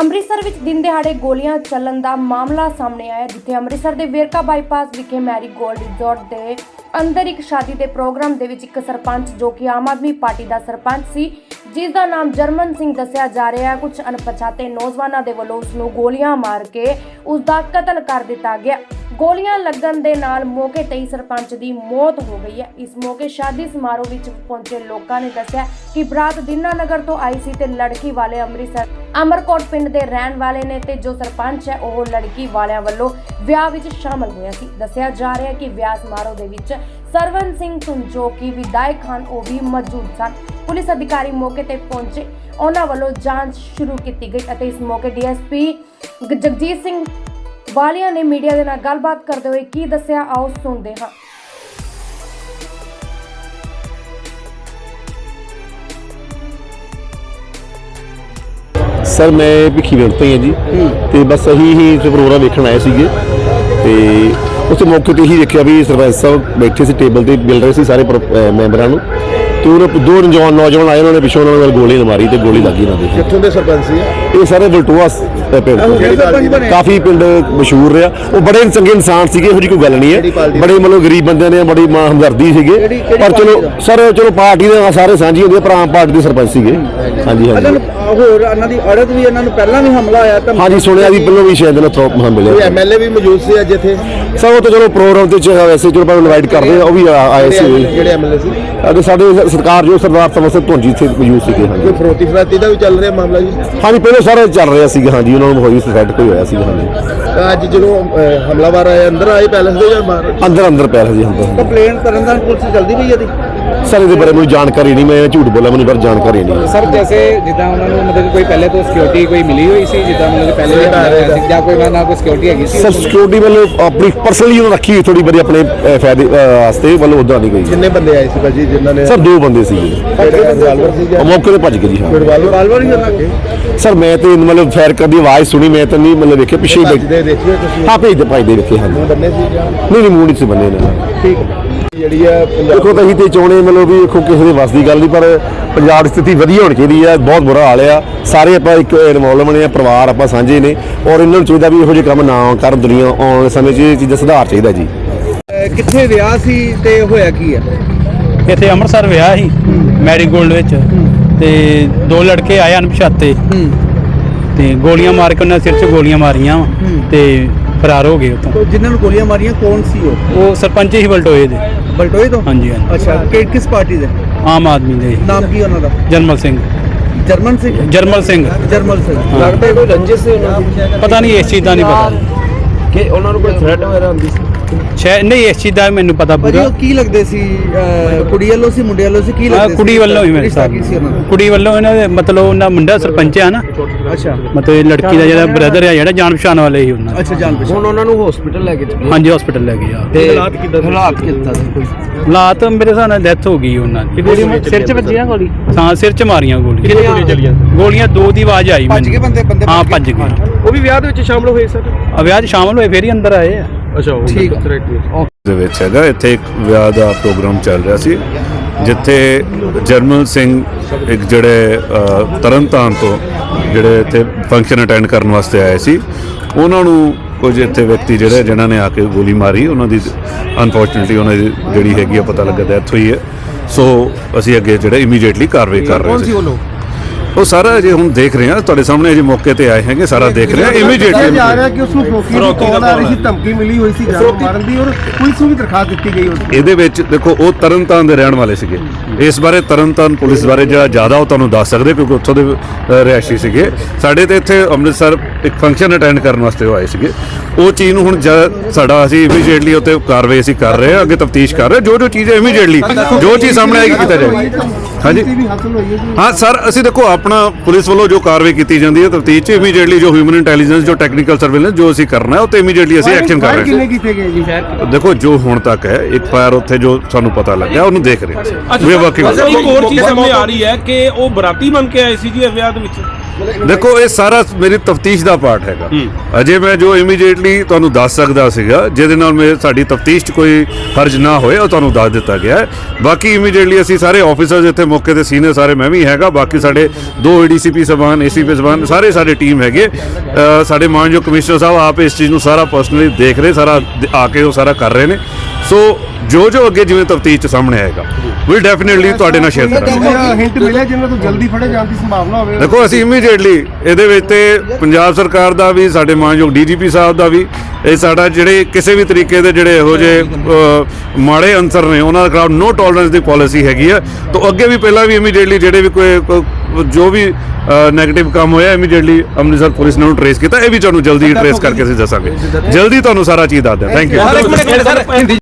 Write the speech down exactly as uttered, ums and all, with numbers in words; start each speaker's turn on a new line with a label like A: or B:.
A: ਅੰਮ੍ਰਿਤਸਰ ਵਿੱਚ ਦਿਨ ਦਿਹਾੜੇ ਗੋਲੀਆਂ ਚੱਲਣ ਦਾ ਮਾਮਲਾ ਸਾਹਮਣੇ ਆਇਆ, ਜਿੱਥੇ ਅੰਮ੍ਰਿਤਸਰ ਦੇ ਵੇਰਕਾ ਬਾਈਪਾਸ ਵਿਖੇ ਮੈਰੀ ਗੋਲਡ ਰਿਜ਼ੋਰਟ ਦੇ ਅੰਦਰ ਇੱਕ ਸ਼ਾਦੀ ਦੇ ਪ੍ਰੋਗਰਾਮ ਦੇ ਵਿੱਚ ਇੱਕ ਸਰਪੰਚ ਜੋ ਕਿ ਆਮ ਆਦਮੀ ਪਾਰਟੀ ਦਾ ਸਰਪੰਚ ਸੀ, ਜਿਸ ਦਾ ਨਾਮ ਜਰਮਨ ਸਿੰਘ ਦੱਸਿਆ ਜਾ ਰਿਹਾ ਹੈ, ਕੁਝ ਅਣਪਛਾਤੇ ਨੌਜਵਾਨਾਂ ਦੇ ਵੱਲੋਂ ਉਸ ਨੂੰ ਗੋਲੀਆਂ ਮਾਰ ਕੇ ਉਸ ਦਾ ਕਤਲ ਕਰ ਦਿੱਤਾ ਗਿਆ। ਗੋਲੀਆਂ ਲੱਗਣ ਦੇ ਨਾਲ ਮੌਕੇ ਤੇ ਹੀ ਸਰਪੰਚ ਦੀ ਮੌਤ ਹੋ ਗਈ ਹੈ। ਇਸ ਮੌਕੇ ਸ਼ਾਦੀ ਸਮਾਰੋਹ ਵਿੱਚ ਪਹੁੰਚੇ ਲੋਕਾਂ ਨੇ ਦੱਸਿਆ ਕਿ ਬਰਾਤ ਦੀਨਾਨਗਰ ਤੋਂ ਆਈ ਸੀ ਤੇ ਲੜਕੀ ਵਾਲੇ ਅੰਮ੍ਰਿਤਸਰ ਅਮਰਕੋਟ ਪਿੰਡ ਦੇ ਰਹਿਣ ਵਾਲੇ ਨੇ ਤੇ ਜੋ ਸਰਪੰਚ ਹੈ ਉਹ ਲੜਕੀ ਵਾਲਿਆਂ ਵੱਲੋਂ ਵਿਆਹ ਵਿੱਚ ਸ਼ਾਮਲ ਹੋਇਆ ਸੀ। ਦੱਸਿਆ ਜਾ ਰਿਹਾ ਹੈ ਕਿ ਵਿਆਹ ਸਮਾਰੋਹ ਦੇ ਵਿੱਚ ਸਰਵਨ ਸਿੰਘ ਸੁਨ ਜੋ ਕਿ ਵਿਧਾਇਕ ਹਨ ਉਹ ਵੀ ਮੌਜੂਦ ਸਨ। ਪੁਲਿਸ ਅਧਿਕਾਰੀ ਮੌਕੇ ਤੇ ਪਹੁੰਚੇ, ਉਹਨਾਂ ਵੱਲੋਂ ਜਾਂਚ ਸ਼ੁਰੂ ਕੀਤੀ ਗਈ ਅਤੇ ਇਸ ਮੌਕੇ ਡੀਐਸਪੀ ਜਗਜੀਤ ਸਿੰਘ ਵਾਲੀਆਂ ਨੇ ਮੀਡੀਆ ਦੇ ਨਾਲ ਗੱਲਬਾਤ ਕਰਦੇ ਹੋਏ ਕੀ ਦੱਸਿਆ, ਆਓ ਸੁਣਦੇ ਹਾਂ।
B: सर मैं भिखी विंड तो ही हाँ जी, तो बस अही ही प्रोग्राम वेखण आए थे, तो उस मौके पर ही देखा भी सरपंच साहब बैठे से टेबल पर मिल रहे थे सारे मैंबरों को, तो उन्होंने दो नौजवान नौजवान आए, उन्होंने पिछों उन्होंने गोली मारी तो गोली लगी इन्होंने।
C: कित्थों दे सरपंच सी
B: ये सारे बलटोआ पिंड काफ़ी पिंड मशहूर रहा, वो बड़े चंगे इंसान थे, ਇਹੋ ਜਿਹੀ कोई गल नहीं है, बड़े मतलब गरीब बंदे ने बड़ी मां हमदर्दी सीगे, पर चलो सर चलो पार्टी ਦੇ ਸਾਰੇ ਸਾਂਝੀ ਹੁੰਦੀ ਪਰ ਆਮ ਪਾਰਟੀ ਦੇ ਸਰਪੰਚ ਸੀਗੇ। ਹਾਂਜੀ ਹਾਂਜੀ
C: ਹੋਰ ਇਹਨਾਂ ਦੀ ਅੜਤ ਵੀ ਇਹਨਾਂ ਨੂੰ ਪਹਿਲਾਂ ਵੀ ਹਮਲਾ ਆਇਆ ਤਾਂ
B: ਹਾਂਜੀ ਸੁਣਿਆ ਵੀ ਪਹਿਲਾਂ ਵੀ ਸ਼ਾਇਦ ਨਾ ਥਰੋਪ ਮਿਲਿਆ।
C: ਕੋਈ ਐਮਐਲਏ ਵੀ ਮੌਜੂਦ ਸੀ ਅੱਜ ਇੱਥੇ
B: ਸਭ ਤੋਂ ਚਲੋ ਪ੍ਰੋਗਰਾਮ ਤੇ ਵੈਸੇ ਚਲੋ ਆਪਾਂ ਇਨਵਾਈਟ ਕਰਦੇ ਆ, ਉਹ ਵੀ ਆਏ ਸੀ
C: ਜਿਹੜੇ ਐਮਐਲਏ ਸੀ
B: ਅਤੇ ਸਾਡੇ ਸਰਕਾਰ ਜੋ ਸਰਦਾਰ ਸਮਰ ਸਿੰਘ ਧੁੰਜੀ ਇੱਥੇ ਮੌਜੂਦ ਸੀਗੇ। ਹਾਂਜੀ
C: ਕੋਈ ਫਰੋਤੀ ਫਰਾਤੀ ਦਾ ਵੀ ਚੱਲ ਰਿਹਾ ਮਾਮਲਾ ਜੀ?
B: ਹਾਂਜੀ ਪਹਿਲਾਂ ਸਾਰਾ ਚੱਲ ਰਿਹਾ ਸੀਗਾ, ਹਾਂਜੀ ਉਹਨਾਂ ਨੂੰ ਹੋਈ ਸਸਪੈਕਟ ਕੋਈ ਹੋਇਆ ਸੀਗਾ। ਹਾਂਜੀ
C: ਅੱਜ ਜਦੋਂ ਹਮਲਾਵਰ ਆਏ ਅੰਦਰ ਆਏ ਪੈਲਸ ਦੇ ਜਾਂ ਬਾਹਰ?
B: ਅੰਦਰ ਅੰਦਰ ਪੈ ਰਿਹਾ ਜੀ ਅੰਦਰ।
C: ਕੰਪਲੇਨ ਤਰਨਤਾਰਨ ਪੁਲਿਸ ਜਲਦੀ ਪਈ ਇਹਦੀ?
B: ਸਰ ਇਹਦੇ ਬਾਰੇ ਮੈਨੂੰ ਜਾਣਕਾਰੀ ਨਹੀਂ, ਮੈਂ ਝੂਠ ਬੋਲਾਂ, ਮੈਨੂੰ ਪਰ ਜਾਣਕਾਰੀ ਨਹੀਂ।
D: ਸਰ ਜੈਸੇ ਜਿੱਦਾਂ ਉਹਨਾਂ ਨੂੰ ਮਤਲਬ ਕੋਈ ਪਹਿਲੇ ਤੋਂ ਸਿਕਿਉਰਿਟੀ ਕੋਈ ਮਿਲੀ ਹੋਈ ਸੀ, ਜਿੱਦਾਂ ਮਤਲਬ ਪਹਿਲੇ ਵੀ ਜਾਂ ਕੋਈ ਨਾ ਕੋਈ ਸਿਕਿਉਰਿਟੀ ਹੈਗੀ ਸੀ?
B: ਸਰ ਸਿਕਿਉਰਿਟੀ ਵੱਲੋਂ ਆਪਣੀ ਪਰਸਨਲੀ ਉਹਨਾਂ ਰੱਖੀ ਹੋਈ ਥੋੜੀ ਬੜੀ ਆਪਣੇ ਫਾਇਦੇ ਵਾਸਤੇ, ਵੱਲੋਂ ਉਦਾਂ ਨਹੀਂ ਗਈ।
C: ਕਿੰਨੇ ਬੰਦੇ ਆਏ ਸੀ ਭਾਜੀ ਜਿਨ੍ਹਾਂ ਨੇ?
B: ਸਰ ਦੋ ਬੰਦੇ ਸੀਗੇ,
C: ਰਿਵਾਲਵਰ ਸੀ ਜਾਂ
B: ਮੌਕੇ ਤੇ ਭੱਜ ਗਏ ਜੀ। ਹਾਂ
C: ਰਿਵਾਲਵਰ ਹੀ ਉਹਨਾਂ
B: ਸਰ ਮੈਂ ਤੇ ਮਤਲਬ ਫਾਇਰ ਕਰਨ ਦੀ ਆਵਾਜ਼ ਸੁਣੀ, ਮੈਂ ਤਾਂ ਨਹੀਂ ਮਤਲਬ ਵੇਖਿਆ ਪਿੱਛੇ
C: ਦੇ ਦੇਖਿਓ ਤੁਸੀਂ?
B: ਹਾਂ ਭੇਜਦੇ ਭੱਜਦੇ ਵੇਖੇ। ਹਾਂਜੀ
C: ਬੰਨੇ ਸੀ ਜਾਂ
B: ਨਹੀਂ ਨਹੀਂ ਮੂੰਹ ਨਹੀਂ ਸੀ ਬੰਨੇ ਨੇ।
C: ਠੀਕ ਜਿਹੜੀ ਆ
B: ਦੇਖੋ ਤਾਂ ਅਸੀਂ ਤੇ ਚਾਹੁੰਦੇ ਮਤਲਬ ਵੀ ਦੇਖੋ ਕਿਸੇ ਦੇ ਵੱਸ ਦੀ ਗੱਲ ਨਹੀਂ, ਪਰ ਪੰਜਾਬ ਦੀ ਸਥਿਤੀ ਵਧੀਆ ਹੋਣੀ ਚਾਹੀਦੀ ਹੈ, ਬਹੁਤ ਬੁਰਾ ਹਾਲ ਆ, ਸਾਰੇ ਆਪਾਂ ਇੱਕ ਇਨਵੋਲਵ ਬਣੇ ਆ, ਪਰਿਵਾਰ ਆਪਾਂ ਸਾਂਝੇ ਨੇ, ਔਰ ਇਹਨਾਂ ਨੂੰ ਚਾਹੀਦਾ ਵੀ ਇਹੋ ਜਿਹੇ ਕੰਮ ਨਾ ਕਰਨ, ਦੁਨੀਆ ਆਉਣ ਵਾਲੇ ਸਮੇਂ 'ਚ ਇਹ ਚੀਜ਼ਾਂ ਸੁਧਾਰ ਚਾਹੀਦਾ ਜੀ।
C: ਕਿੱਥੇ ਵਿਆਹ ਸੀ ਤੇ ਹੋਇਆ ਕੀ ਆ
D: ਇੱਥੇ ਅੰਮ੍ਰਿਤਸਰ ਵਿਆਹ ਸੀ ਮੈਰੀ ਗੋਲਡ ਵਿੱਚ, ਤੇ ਦੋ ਲੜਕੇ ਆਏ ਅਣਪਛਾਤੇ ਤੇ ਗੋਲੀਆਂ ਮਾਰ ਕੇ ਉਹਨਾਂ ਸਿਰ 'ਚ ਗੋਲੀਆਂ ਮਾਰੀਆਂ ਤੇ ਫਰਾਰ ਹੋ ਗਏ ਉੱਥੋਂ।
C: ਜਿਨ੍ਹਾਂ ਨੂੰ ਗੋਲੀਆਂ ਮਾਰੀਆਂ ਕੌਣ ਸੀ ਉਹ?
D: ਉਹ ਸਰਪੰਚ ਹੀ ਬਲਟੋਏ ਦੇ।
C: ਬਲਟੋਏ ਤੋਂ?
D: ਹਾਂਜੀ ਹਾਂਜੀ।
C: ਅੱਛਾ ਕਿ ਕਿਸ ਪਾਰਟੀ ਦੇ?
D: ਆਮ ਆਦਮੀ ਦੇ।
C: ਨਾਮ ਕੀ ਉਹਨਾਂ ਦਾ?
D: ਜਰਮਲ ਸਿੰਘ।
C: ਜਰਮਨ ਸਿੰਘ?
D: ਜਰਮਲ ਸਿੰਘ।
C: ਜਰਮਲ ਸਿੰਘ ਲੱਗਦਾ ਕੋਈ ਰੰਜਿਸ਼ ਸੀ ਉਹਨਾਂ ਦੀ?
D: ਪਤਾ ਨਹੀਂ ਇਸ ਚੀਜ਼ ਦਾ ਨਹੀਂ ਪਤਾ
C: ਕਿ ਉਹਨਾਂ ਨੂੰ ਕੋਈ ਥ੍ਰੈਟ ਵਗੈਰਾ ਹੁੰਦੀ ਸੀ?
D: ਸ਼ਾਇਦ ਨਹੀਂ, ਇਸ ਚੀਜ਼ ਦਾ ਮੈਨੂੰ ਪਤਾ ਪੂਰਾ।
C: ਉਹ ਕੀ ਲੱਗਦੇ ਸੀ? ਕੁੜੀ ਵੱਲੋਂ ਸੀ ਮੁੰਡੇ ਵੱਲੋਂ ਸੀ? ਕੀ ਲੱਗਦੇ ਸੀ?
D: ਕੁੜੀ ਵੱਲੋਂ ਹੀ ਮੇਰੇ ਸਾਥ। ਕੁੜੀ ਵੱਲੋਂ ਇਹਨਾਂ ਦੇ ਮਤਲਬ ਉਹਨਾਂ ਮੁੰਡਾ ਸਰਪੰਚ ਆ ਨਾ।
C: ਅੱਛਾ
D: ਮਤਲਬ ਇਹ ਲੜਕੀ ਦਾ ਜਿਹੜਾ ਬ੍ਰਦਰ ਆ ਜਿਹੜਾ ਜਾਣ ਪਛਾਣ ਵਾਲੇ ਹੀ ਉਹਨਾਂ।
C: ਅੱਛਾ ਜਾਣ ਪਛਾਣ। ਹੁਣ ਉਹਨਾਂ ਨੂੰ ਹਸਪੀਟਲ ਲੈ ਕੇ ਚੱਲੇ?
D: ਹਾਂਜੀ ਹਸਪੀਟਲ ਲੈ ਗਏ ਆ।
C: ਤੇ ਹਾਲਾਤ ਕਿੱਦਾਂ? ਹਾਲਾਤ ਕਿੱਦਾਂ ਸੀ? ਕੋਈ
D: ਹਾਲਾਤ ਮੇਰੇ ਹਿਸਾਬ ਨਾਲ ਡੈਥ ਹੋ ਗਈ ਉਹਨਾਂ ਦੀ।
C: ਸਿਰ 'ਚ ਵੱਜੀਆਂ ਗੋਲੀ?
D: ਹਾਂ ਸਿਰ 'ਚ ਮਾਰੀਆਂ ਗੋਲੀਆਂ।
C: ਕਿੰਨੀਆਂ ਗੋਲੀਆਂ ਚੱਲੀਆਂ?
D: ਗੋਲੀਆਂ ਦੋ ਦੀ ਆਵਾਜ਼ ਆਈ।
C: ਭੱਜ ਗਏ ਬੰਦੇ? ਬੰਦੇ
D: ਹਾਂ ਭੱਜ ਗਏ।
C: ਉਹ ਵੀ ਵਿਆਹ ਦੇ ਵਿੱਚ ਸ਼ਾਮਲ ਹੋਏ ਸਰ?
D: ਆ ਵਿਆਹ 'ਚ ਸ਼ਾਮਲ ਹੋਏ ਫੇਰ ਹੀ ਅੰਦਰ ਆਏ ਆ।
C: ਅੱਛਾ ਠੀਕ
E: ਦੇ ਵਿੱਚ ਹੈਗਾ ਇੱਥੇ ਇੱਕ ਵਿਆਹ ਦਾ ਪ੍ਰੋਗਰਾਮ ਚੱਲ ਰਿਹਾ ਸੀ, ਜਿੱਥੇ ਜਰਮਲ ਸਿੰਘ ਇੱਕ ਜਿਹੜੇ ਤਰਨਤਾਰਨ ਤੋਂ ਜਿਹੜੇ ਇੱਥੇ ਫੰਕਸ਼ਨ ਅਟੈਂਡ ਕਰਨ ਵਾਸਤੇ ਆਏ ਸੀ, ਉਹਨਾਂ ਨੂੰ ਕੁਝ ਇੱਥੇ ਵਿਅਕਤੀ ਜਿਹੜੇ ਜਿਨ੍ਹਾਂ ਨੇ ਆ ਕੇ ਗੋਲੀ ਮਾਰੀ, ਉਹਨਾਂ ਦੀ ਅਨਫੋਰਚੂਨੇਟਲੀ ਉਹਨਾਂ ਦੀ ਜਿਹੜੀ ਹੈਗੀ ਆ ਪਤਾ ਲੱਗਾ ਡੈਥ ਹੋਈ ਹੈ। ਸੋ ਅਸੀਂ ਅੱਗੇ ਜਿਹੜੇ ਇਮੀਡੀਏਟਲੀ ਕਾਰਵਾਈ ਕਰ ਰਹੇ ਸੀ। ਉਹ ਸਾਰਾ ਜੇ ਹੁਣ ਦੇਖ ਰਹੇ ਹਾਂ ਤੁਹਾਡੇ ਸਾਹਮਣੇ, ਜੇ ਮੌਕੇ ਤੇ ਆਏ ਹੈਗੇ ਸਾਰਾ ਦੇਖ ਰਹੇ ਹਾਂ ਇਮੀਡੀਏਟਲੀ।
C: ਜਾ ਰਿਹਾ ਕਿ ਉਸ ਨੂੰ ਫਰੋਤੀ ਦੀ ਕਾਲ ਆ ਰਹੀ ਸੀ, ਧਮਕੀ ਮਿਲੀ ਹੋਈ ਸੀ ਜਾਨ ਮਾਰਨ ਦੀ, ਔਰ ਪੁਲਿਸ ਨੂੰ ਵੀ ਦਰਖਾਸਤ ਦਿੱਤੀ ਗਈ। ਉਸ
E: ਇਹਦੇ ਵਿੱਚ ਦੇਖੋ ਉਹ ਤਰਨਤਾਰਨ ਦੇ ਰਹਿਣ ਵਾਲੇ ਸੀਗੇ, ਇਸ ਬਾਰੇ ਤਰਨਤਾਰਨ ਪੁਲਿਸ ਬਾਰੇ ਜਿਹੜਾ ਜ਼ਿਆਦਾ ਉਹ ਤੁਹਾਨੂੰ ਦੱਸ ਸਕਦੇ ਕਿਉਂਕਿ ਉੱਥੋਂ ਦੇ ਰਿਹਾਇਸ਼ੀ ਸੀਗੇ। ਸਾਡੇ ਤੇ ਇੱਥੇ ਅੰਮ੍ਰਿਤਸਰ ਇੱਕ ਫੰਕਸ਼ਨ ਅਟੈਂਡ ਕਰਨ ਵਾਸਤੇ ਉਹ ਆਏ ਸੀਗੇ। ਉਹ ਚੀਜ਼ ਨੂੰ ਹੁਣ ਸਾਡਾ ਅਸੀਂ ਇਮੀਡੀਏਟਲੀ ਉੱਤੇ ਕਾਰਵਾਈ ਅਸੀਂ ਕਰ ਰਹੇ ਹਾਂ, ਅੱਗੇ ਤਫਤੀਸ਼ ਕਰ ਰਹੇ ਹਾਂ, ਜੋ ਜੋ ਚੀਜ਼ ਹੈ ਇਮੀਡੀਏਟਲੀ ਜੋ ਚੀਜ਼ ਸਾਹਮਣੇ ਆਏਗੀ ਕੀਤਾ ਜਾਏਗਾ। ਹਾਂਜੀ ਹਾਂ ਸਰ, ਅਸੀਂ ਦੇਖੋ ਆਪਣਾ ਪੁਲਿਸ ਵੱਲੋਂ ਜੋ ਕਾਰਵਾਈ ਕੀਤੀ ਜਾਂਦੀ ਹੈ ਤਫਤੀਸ਼ 'ਚ ਇਮੀਡੀਏਟਲੀ ਜੋ ਹਿਊਮਨ ਇੰਟੈਲੀਜੈਂਸ ਜੋ ਟੈਕਨੀਕਲ ਸਰਵੇਲੈਂਸ ਜੋ ਅਸੀਂ ਕਰਨਾ ਹੈ ਉਹ ਤੇ ਇਮੀਡੀਏਟਲੀ ਅਸੀਂ ਐਕਸ਼ਨ ਕਰ ਰਹੇ ਹਾਂ।
C: ਕੀਤੇ ਗਏ ਜੀ?
E: ਦੇਖੋ ਜੋ ਹੁਣ ਤੱਕ ਹੈ ਇੱਕ ਫਾਇਰ ਉੱਥੇ ਜੋ ਸਾਨੂੰ ਪਤਾ ਲੱਗਿਆ ਉਹਨੂੰ ਦੇਖ ਰਹੇ ਹਾਂ। ਵੀ ਵਰਕਿੰਗ
F: ਇੱਕ ਹੋਰ ਚੀਜ਼ ਸਾਹਮਣੇ ਆ ਰਹੀ ਹੈ ਕਿ ਉਹ ਬਰਾਤੀ ਬਣ ਕੇ ਆਏ ਸੀ ਜੀ ਵਿਆਹ ਦੇ ਵਿੱਚ।
E: ਦੇਖੋ ਇਹ ਸਾਰਾ ਮੇਰੀ ਤਫਤੀਸ਼ ਦਾ ਪਾਰਟ ਹੈਗਾ। ਅਜੇ ਮੈਂ ਜੋ ਇਮੀਡੀਏਟਲੀ ਤੁਹਾਨੂੰ ਦੱਸ ਸਕਦਾ ਸੀਗਾ ਜਿਹਦੇ ਨਾਲ ਮੇਰੇ ਸਾਡੀ ਤਫਤੀਸ਼ 'ਚ ਕੋਈ ਹਰਜ ਨਾ ਹੋਏ ਉਹ ਤੁਹਾਨੂੰ ਦੱਸ ਦਿੱਤਾ ਗਿਆ ਹੈ। ਬਾਕੀ ਇਮੀਡੀਏਟਲੀ ਅਸੀਂ ਸਾਰੇ ਆਫੀਸਰਸ ਇੱਥੇ ਮੌਕੇ ਤੇ ਸੀਨੀਅਰ ਸਾਰੇ ਮੈਂ ਵੀ ਹੈਗਾ, ਬਾਕੀ ਸਾਡੇ ਦੋ ਏਡੀਸੀਪੀ ਸਬਾਨ ਏਸੀਪੀ ਸਬਾਨ ਸਾਰੇ ਸਾਡੇ ਟੀਮ ਹੈਗੇ। ਅ, ਸਾਡੇ ਮਾਨਯੋਗ ਕਮਿਸ਼ਨਰ ਸਾਹਿਬ ਆਪ ਇਸ ਚੀਜ਼ ਨੂੰ ਸਾਰਾ ਪਰਸਨਲੀ ਦੇਖ ਰਹੇ, ਸਾਰਾ ਦ- ਆ ਕੇ ਉਹ ਸਾਰਾ ਕਰ ਰਹੇ ਨੇ। ਸੋ ਜੋ ਜੋ ਅੱਗੇ ਜਿਵੇਂ ਤਫਤੀਸ਼ 'ਚ ਸਾਹਮਣੇ ਆਏਗਾ ਵੀ ਡੈਫੀਨਿਟਲੀ ਤੁਹਾਡੇ ਨਾਲ ਸ਼ੇਅਰ ਕਰਾਂਗੇ।
C: ਹਿੰਟ ਮਿਲਿਆ ਜਿਨ੍ਹਾਂ ਤੋਂ ਜਲਦੀ ਫੜੇ ਜਾਣ ਦੀ ਸੰਭਾਵਨਾ ਹੋਵੇ।
E: ਦੇਖੋ ਅਸੀਂ ਇਮੀਡੀਏਟਲੀ ਇਹਦੇ ਵਿੱਚ ਤੇ ਪੰਜਾਬ ਸਰਕਾਰ ਦਾ ਵੀ, ਸਾਡੇ ਮਾਨਯੋਗ ਡੀਜੀਪੀ ਸਾਹਿਬ ਦਾ ਵੀ, ਇਹ ਸਾਡਾ ਜਿਹੜੇ ਕਿਸੇ ਵੀ ਤਰੀਕੇ ਦੇ ਜਿਹੜੇ ਇਹੋ ਜਿਹੇ ਅ, ਮਾੜੇ ਅਨਸਰ ਨੇ ਉਹਨਾਂ ਦੇ ਖਿਲਾਫ ਨੋ ਟੋਲਰੈਂਸ ਦੀ ਪਾਲਿਸੀ ਹੈਗੀ ਆ। ਤਾਂ ਅੱਗੇ ਵੀ ਪਹਿਲਾਂ ਵੀ ਇਮੀਡੀਏਟਲੀ ਜਿਹੜੇ ਵੀ ਕੋਈ ਕੋਈ- ਜੋ ਵੀ ਨੈਗੇਟਿਵ ਕੰਮ ਹੋਇਆ ਇਮੀਡੀਏਟਲੀ ਅੰਮ੍ਰਿਤਸਰ ਪੁਲਿਸ ਨੇ ਉਹਨੂੰ ਟਰੇਸ ਕੀਤਾ। ਇਹ ਵੀ ਤੁਹਾਨੂੰ ਜਲਦੀ ਟਰੇਸ ਕਰਕੇ ਅਸੀਂ ਦੱਸਾਂਗੇ, ਜਲਦੀ ਤੁਹਾਨੂੰ ਸਾਰਾ ਚੀਜ਼ ਦੱਸ ਦਿਆਂ। Thank you.